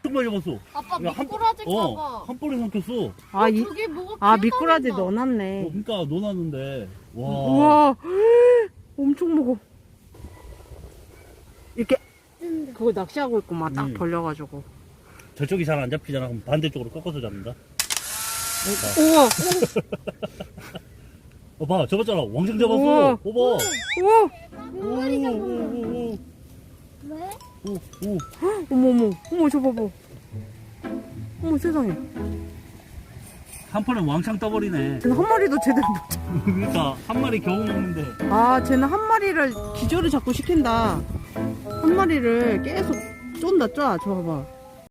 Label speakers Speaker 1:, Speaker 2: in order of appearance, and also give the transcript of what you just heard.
Speaker 1: 엄청 많이 잡았어.
Speaker 2: 아빠
Speaker 1: 야,
Speaker 2: 미꾸라지 봐봐.
Speaker 1: 한 번에 삼켰어.
Speaker 3: 아, 이,
Speaker 2: 저기 뭐가
Speaker 3: 아,
Speaker 2: 기어다닌다.
Speaker 3: 미꾸라지 넣어놨네.
Speaker 1: 그러니까 넣어놨는데. 와.
Speaker 3: 우와, 엄청 먹어. 이렇게, 그거 낚시하고 있구만, 딱 벌려가지고.
Speaker 1: 저쪽이 잘 안 잡히잖아. 그럼 반대쪽으로 꺾어서 잡는다.
Speaker 3: 우와,
Speaker 1: 봐, 잡았잖아. 왕창
Speaker 3: 우와.
Speaker 1: 잡았어. 봐봐.
Speaker 3: 우와,
Speaker 1: 오.
Speaker 2: 왜?
Speaker 1: 오.
Speaker 3: 어머, 어머, 저 봐봐. 어머, 세상에.
Speaker 1: 한 번에 왕창 떠버리네.
Speaker 3: 쟤는 한 마리도 제대로 못 잡.
Speaker 1: 그러니까 한 마리 겨우 먹는데.
Speaker 3: 아, 쟤는 한 마리를 기절을 자꾸 시킨다. 한 마리를 계속 쫀다, 저 봐봐.